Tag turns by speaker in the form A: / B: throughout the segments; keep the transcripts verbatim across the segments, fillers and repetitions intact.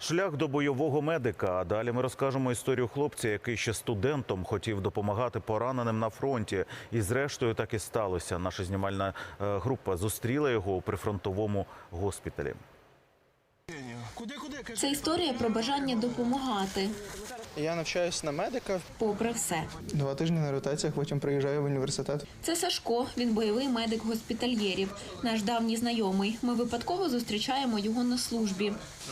A: Шлях до бойового медика. А далі ми розкажемо історію хлопця, який ще студентом хотів допомагати пораненим на фронті. І зрештою так і сталося. Наша знімальна група зустріла його у прифронтовому госпіталі.
B: Це історія про бажання допомагати.
C: Я навчаюсь на медика.
B: Попри все.
C: Два тижні на ротаціях, потім приїжджаю в університет.
B: Це Сашко, він бойовий медик госпітальєрів. Наш давній знайомий. Ми випадково зустрічаємо його на службі.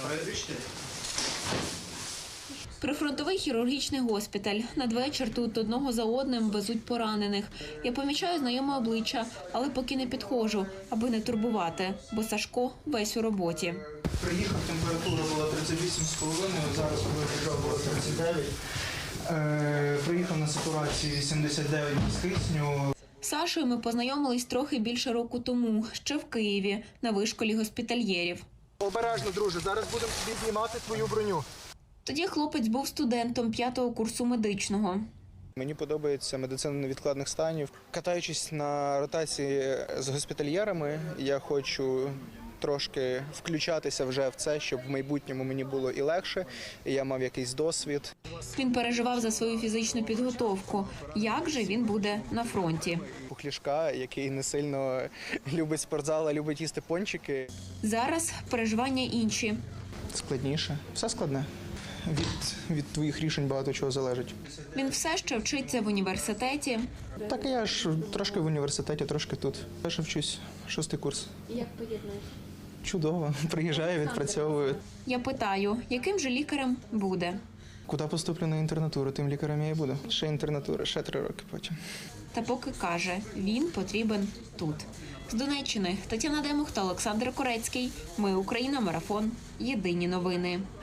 B: Прифронтовий хірургічний госпіталь. Надвечір тут одного за одним везуть поранених. Я помічаю знайоме обличчя, але поки не підходжу, аби не турбувати, бо Сашко весь у роботі.
C: Приїхав, температура була тридцять вісім з половиною, зараз коли приїжджав, було тридцять дев'ять. Е, приїхав на сатурації вісімдесят дев'ять без кисню.
B: З Сашою ми познайомились трохи більше року тому, ще в Києві, на вишколі госпітальєрів.
C: Обережно, друже, зараз будемо тобі знімати твою броню.
B: Тоді хлопець був студентом п'ятого курсу медичного.
C: Мені подобається медицина невідкладних станів. Катаючись на ротації з госпітальєрами, я хочу трошки включатися вже в це, щоб в майбутньому мені було і легше, і я мав якийсь досвід.
B: Він переживав за свою фізичну підготовку. Як же він буде на фронті?
C: Пухлішка, який не сильно любить спортзал, а любить їсти пончики.
B: Зараз переживання інші.
C: Складніше. Все складне. Від, від твоїх рішень багато чого залежить.
B: Він все ще вчиться в університеті.
C: Так я ж трошки в університеті, трошки тут. Я ще вчусь, шостий курс.
B: Як поєднуєш?
C: Чудово. Приїжджаю, відпрацьовую.
B: Я питаю, яким же лікарем буде?
C: Куди поступлю на інтернатуру, тим лікарем я і буду. Ще інтернатура, ще три роки потім.
B: Та поки каже, він потрібен тут. З Донеччини Тетяна Демух та Олександр Корецький. Ми Україна. Марафон. Єдині новини.